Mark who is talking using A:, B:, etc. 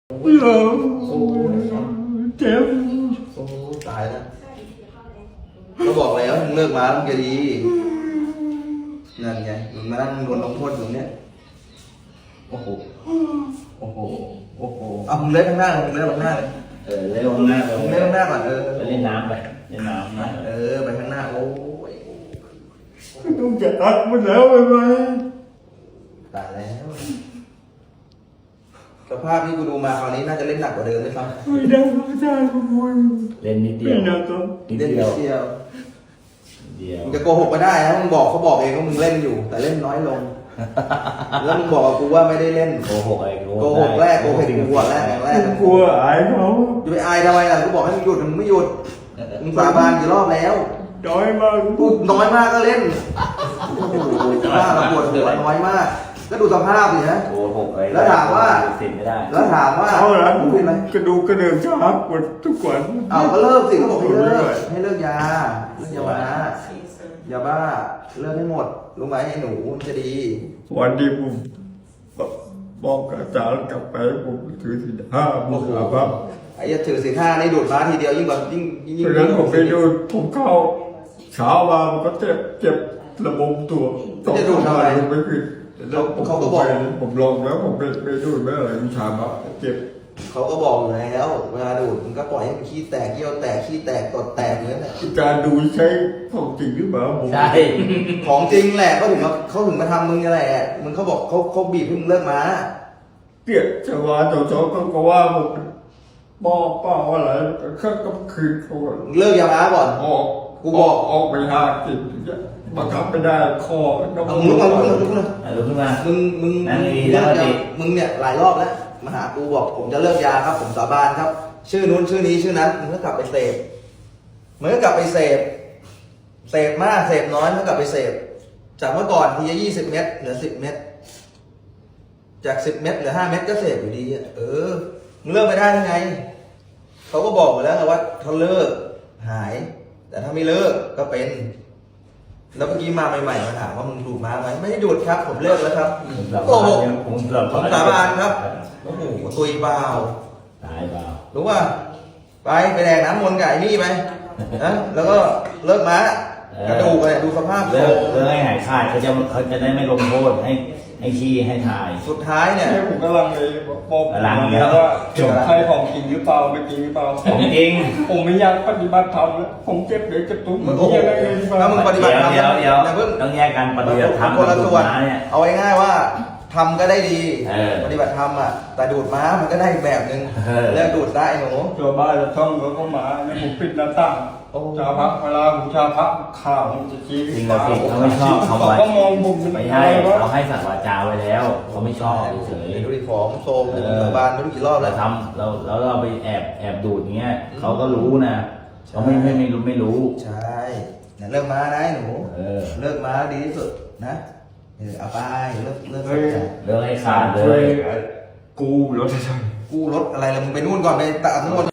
A: เจ็บ
B: โอ้ตายแล้วก็บอกแล้วมึงเลิกมามึงจะดีนั่นไงมึงมานั่งโดนลงโทษอยู่เนี่ยโอ้โหโอ้โหโอ้โหเอามึงเล่นข้างหน้ามึงเล่นข้างหน้าเลย
C: เล่นข้างหน้า
B: มึงเล่นข้างหน้าก่อน
C: ไปเล่นน้ำไปเล่นน้ำนะ
B: ไปข้างหน้าโอ้ย
A: ต้องจะตัดมันแล้วไปไหม
B: ตายแล้วสภาพที่กูดูมาคราวนี้น่าจะเล่นหนักกว่าเดิมไหมครับ
A: ไม่ได้ไม่ได้ขโมย
C: เล่นนิดเดียว
A: ไม่นะก็
B: เล่นนิดเดียวมึงจะโกหกไม่ได้นะมึงบอกเขาบอกเองว่ามึงเล่นอยู่ แต่เล่นน้อยลงแล้วมึงบอกกับกูว่าไม่ได้เล่น
C: โกหกอะไร
B: โกหกแรกโกหกกูแรก
A: กลัวอายเขา
B: จะไปอายทำไมล่ะกูบอกให้มึงหยุดมึงไม่หยุดมึงสาบานกี่รอบแล้ว
A: น้อยมาก
B: พูดน้อยมากก็เล่นโอ้โหหน้าเราปวดหัวน้อยมากก็ดูสภาพดิฮะ
C: โกหกอะไร
B: แล้วถามว่า
A: เขาหลังกระดูกกระเดื่องช้าปวดทุกวัน
B: เอาก็เลิกสิเขาบอกให้เลิกยาบ้าเลิกให้หมดรู้ไหมไอ้หนูจะดี
A: วันนี้ผมบอกอาจารย์กลับไปผมถือศีลห้าบุกครับ
B: ไอ้จะถือศีลห้านี่ดูดม้าทีเดียวยิ่งกว่ายิ่ง
A: เพราะนั้นผมไปดูผมเข้าเช้ามามันก็เจ็บระบมตัว
B: จะดูทำไม
A: ไม่ขึ้น
B: เขาก็บอก
A: ผมลองแล้วผมไม่ดูไม่อะไรมันชามาเจ็บ
B: เขาก็บอกอยู่แล้วเวลาดูดมันก็ปล่อยให้มันขี้แตกเยี่ยวแตกขี้แตกตดแตกเหมือนกัน
A: การดูใช้ของจริงหรือเปล่า
C: ใช่
B: ของจริงแหละเขาถึงมาทำมึงอะไรแหละมึงเขาบอกเขาบีบให้มึงเลิกมา
A: เกลียดชาวบ้านชาวช่องก็ว่าผมบอกเปล่าอะไรก็คืนเขา
B: เลิกยาบ้าก่อน
A: กูบอกออกไปหากินบังคับไม่ได้คอ
B: มึงลุกมา
C: ลุกขึ้นมา
B: มึงเลิกยามึงเนี่ยหลายรอบแล้วมาหากูบอกผมจะเลิกยาครับผมสาบานครับชื่อนู้นชื่อนี้ชื่อนั้นมึงก็กลับไปเสพมึงก็กลับไปเสพมากเสพน้อยมึงก็กลับไปเสพจากเมื่อก่อนทีละ20 เม็ดเหลือ10 เม็ดจาก10 เม็ดเหลือ5 เม็ดก็เสพอยู่ดีมึงเลิกไม่ได้ยังไงเขาก็บอกหมดแล้วว่าถ้าเลิกหายแต่ถ้าไม่เลิกก็เป็นแล้วเมื่อกี้มาใหม่ๆมาถามว่ามึงดูดมาไหมไม่ได้ดูดครับผมเลิกแล้วครับโอ้โหผมสาบานครับโอ้โหตุยเปล่า
C: ตายเปล่า
B: รู้ป่ะไปแดกน้ำมนต์ไก่นี่ไปนะแล้วก็เลิกม้ากระดูกเนี่ยดูสภาพ
C: เลิกให้หายขาดเขาจะได้ไม่ลงโทษให้ขี้ให้ถ่าย
B: สุดท้ายเนี่ย
A: ผมกำลังเลยบอกว่าใครของจริงหรือเปล่าไม่จริงหรือเปล่า
C: ของจริง
A: ผมไม่อยากปฏิบัติธรรมแล้วผมเจ็บเดี๋ยวจะตุ้ม
B: มึงยังไงถ้ามึงปฏิบัติธรรม
C: เดี๋ยวต้องแยกกันปฏิบัติธรรม
B: คนละส่วนเอาง่ายๆว่าทำก็ได้ดีปฏิบัติธรรมแต่ดูดม้ามันก็ได้อีกแบบนึงเลิกดูดได้หนู
A: ชาวบ้านจะท่องเขาก็มาแล้วผมปิดหน้าต่างชาวพักเวลาผมชาวพักข่าวมันจะชี้
C: จริงเราผิดเขาไม่ชอบเขา
A: ก็มองผม
C: ไม่ใช่เขาให้สัตว์วาจาไว้แล้วเขาไม่ชอบเฉย
B: ดูดิของโซมสาบานไม่รู้กี่รอบแล้ว
C: ทำเราไปแอบดูดอย่างเงี้ยเขาก็รู้นะเขาไม่รู้
B: ใช่เลิกม้านะหนูเลิกม้าดีที่สุดนะเอาไปเลิก
C: ให้ขาดเลย
A: กูรถ
B: อะไรล่ะมึงไปนู่นก่อนไปตัดนู่น